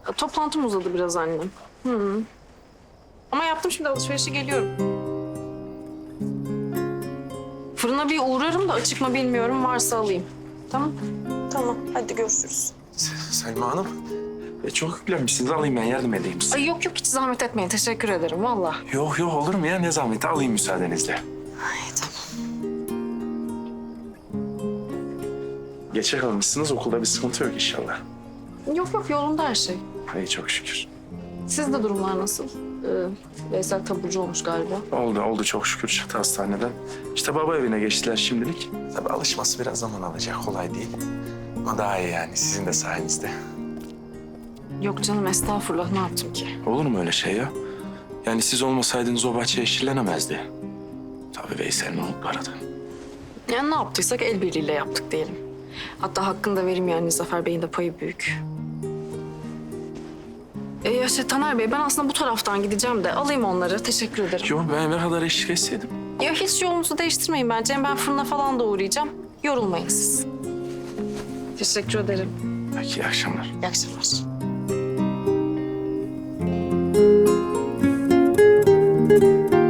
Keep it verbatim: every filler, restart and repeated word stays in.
Toplantım uzadı biraz annem. Hı. Ama yaptım şimdi alışverişe geliyorum. Fırına bir uğrarım da açık mı bilmiyorum. Varsa alayım. Tamam. Tamam. Hadi görüşürüz. Selma Hanım, e, çok yüklenmişsiniz. Alayım ben yardım edeyim size. Ay yok yok hiç zahmet etmeyin. Teşekkür ederim valla. Yok yok olur mu ya? Ne zahmeti alayım müsaadenizle. Ay tamam. Geçe kalmışsınız. Okulda bir sıkıntı yok inşallah. Yok yok yolunda her şey. İyi çok şükür. Sizde durumlar nasıl? Ee, Veysel taburcu olmuş galiba. Oldu oldu çok şükür çıktı hastaneden. İşte baba evine geçtiler şimdilik. Tabii alışması biraz zaman alacak. Kolay değil. Ama daha iyi yani sizin de sayenizde. Yok canım estağfurullah ne yaptım ki? Olur mu öyle şey ya? Yani siz olmasaydınız o bahçe yeşillenemezdi. Tabii Veysel ne oldu arada? Yani ne yaptıysak el birliğiyle yaptık diyelim. Hatta hakkını da vereyim yani Zafer Bey'in de payı büyük. Ee, ya şey Taner Bey ben aslında bu taraftan gideceğim de alayım onları. Teşekkür ederim. Yok ben ne kadar eşlik etseydim. Ya hiç yolunuzu değiştirmeyin bence. Ben fırına falan da uğrayacağım. Yorulmayın siz. Teşekkür ederim. Peki iyi akşamlar. İyi akşamlar. Thank you.